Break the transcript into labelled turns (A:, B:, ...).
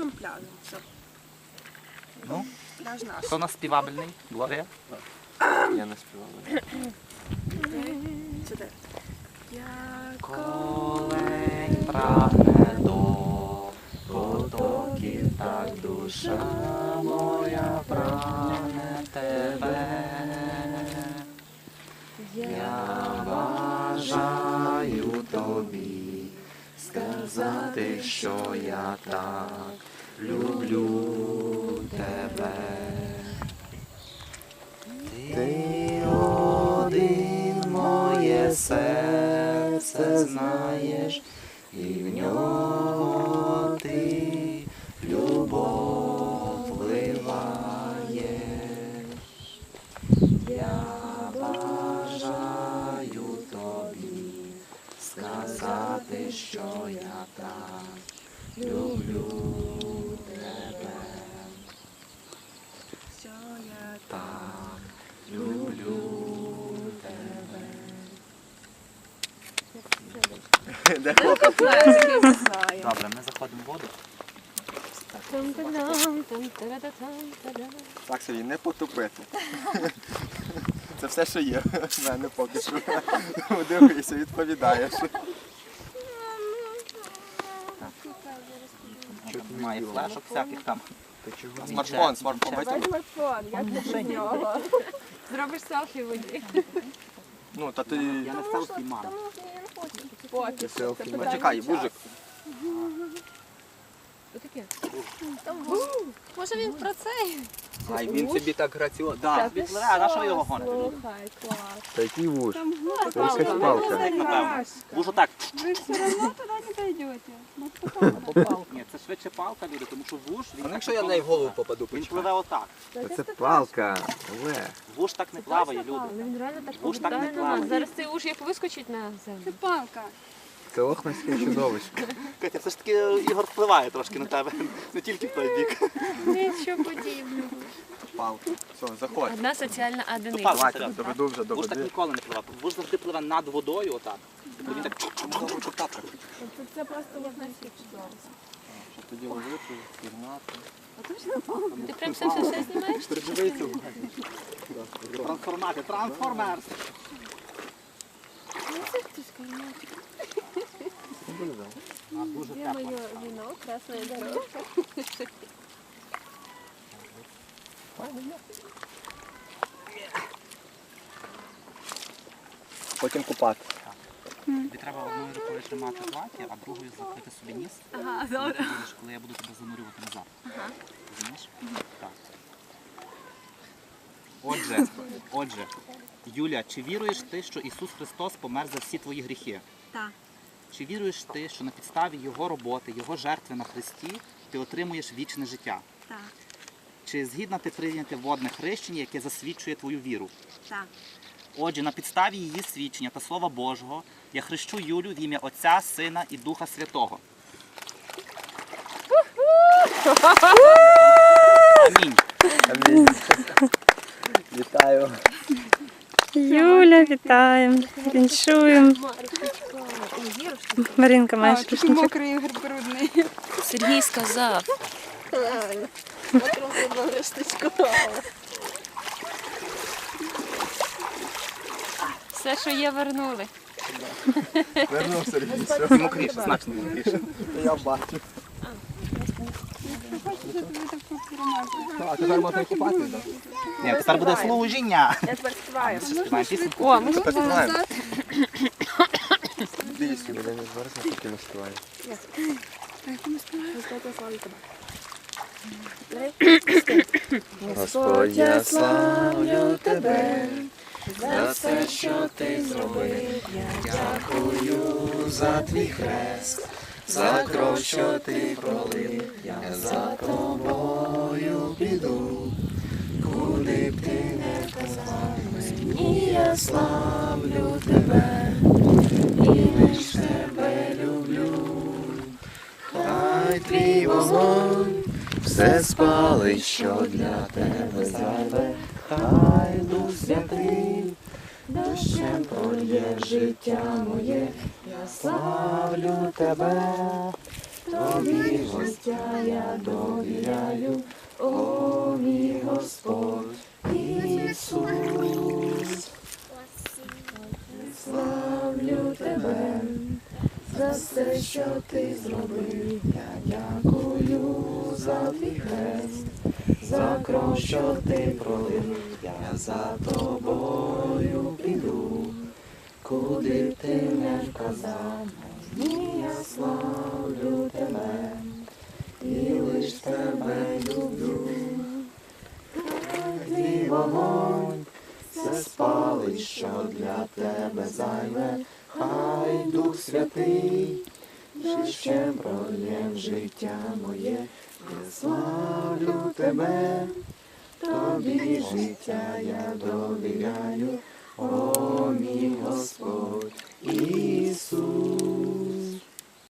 A: гарним пляжем. Все.
B: Ну,
A: Пляж наш.
B: хто у нас співабельний? Глорія?
C: Я не співав.
A: Сюди.
B: Колень прагне до потоків, так душа моя прагне тебе. Я бажаю тобі сказати, що я так люблю тебе. Ти один моє серце знаєш, і в нього ти любов вливаєш. Я бажаю тобі сказати, що я так люблю тебе.
A: Все, я
B: Так люблю тебе.
C: Де хлопець?
A: куплет, я не знаю.
B: Добре, ми заходимо в воду.
C: Так собі, не потопити. Це все, що є в мене поки що. Дивися, відповідаєш.
B: Немає флешок всяких там.
C: Смартфон, бачите?
A: Телефон, як ти без нього?
D: Зробиш селфі в воді.
C: Ну, та ти...
B: Я не селфі маю.
A: Поки що. Це питання
C: Почекай,
A: часу.
C: Бужик.
D: Що таке? Може він про це?
C: Ай, він собі так граціозно. Да.
B: Відпливе, а на що ви його гоните?
A: Слухай, клас.
C: Та який вуж?
A: Це
C: якась палка.
B: Напевно. Вужу так.
E: Вы все равно туда не дойдете.
B: Ні, це швидше палка, люди, тому що вуж,
C: А якщо я в неї в голову попаду,
B: він пливе отак.
C: Це палка, Олег.
B: Вуж так не плаває, люди.
D: Він реально так
B: Уж так не
D: повертає на
B: плаває.
D: нас. Зараз цей уж як вискочить на землю.
E: Это палка.
C: Це лохнське чудовисько.
B: Катя, все ж таки Ігор впливає трошки на тебе, не тільки в той бік.
D: Нічого подібного.
C: Палка. Все, заходь.
D: Одна соціальна одиниця.
B: Палка,
C: Давайте,
B: серйозно.
C: доведу вже до
B: Вуж так
C: води.
B: ніколи не пливе. Вуж завжди пливе над водою, отак. Він так
A: Це просто можна всіх чудово.
C: Тоді ловити, пірнати.
D: Ти прям все знімаєш?
C: Передивися.
B: трансформати, трансформерс. А дуже
A: Где
B: тепло.
A: мое вино? Красная дорожка.
C: Потім купати.
B: Тобі треба одною рукою тримати плаття, а другою закрити собі ніс.
A: Ага,
B: Ти будеш, коли я буду тебе занурювати назад. Розумієш? Так. Отже, Юля, чи віруєш ти, що Ісус Христос помер за всі твої гріхи?
A: Так.
B: Чи віруєш ти, що на підставі Його роботи, Його жертви на Христі ти отримуєш вічне життя?
A: Так.
B: Чи згідна ти прийняти водне хрещення, яке засвідчує твою віру?
A: Так.
B: Отже, на підставі її свідчення та Слова Божого я хрещу Юлю в ім'я Отця, Сина і Духа Святого. Амінь.
C: Амінь. Вітаю.
F: Юля, вітаємо, віншуємо. Маринка, маєш
E: Такий
F: рушничок?
E: мокрий Ігор брудний.
D: Сергій сказав. Все, що є, вернули.
C: Вернув Сергій. Все.
B: Мокріше, значно мокріше.
C: Я бачу.
E: Хочеш, щоб тобі так промазати?
C: А тепер можна і купати, так?
B: Ні, тепер буде служіння.
A: Я тепер співаю.
B: Ще співаємо пісеньку.
D: О, ми
C: Тепер співаємо. Дійсно. Я не зараз не таки не співаю. Господь, я славлю тебе за все, що ти зробив. Дякую за твій хрест, за кров, що ти пролив. Я за тобою піду, куди б ти не казав мені, я славлю тебе і лиш тебе люблю. Хай твій вогонь все спалить, що для тебе зайве, хай Дух Святий дощем прольє життя моє, я славлю тебе
A: тобі життя я довіряю, о мій Господь Ісус. Славлю тебе за все, що ти зробив. Я дякую за твій хрест, за кров, що ти пролив. Я за тобою піду, куди б ти не вказав. Мені я славлю тебе, і лиш тебе люблю. Твій вогонь все спалить, що для тебе зайве. Хай Дух Святий ще пролє в життя моє. Я славлю тебе, тобі життя я довіряю, о мій Господь Ісус.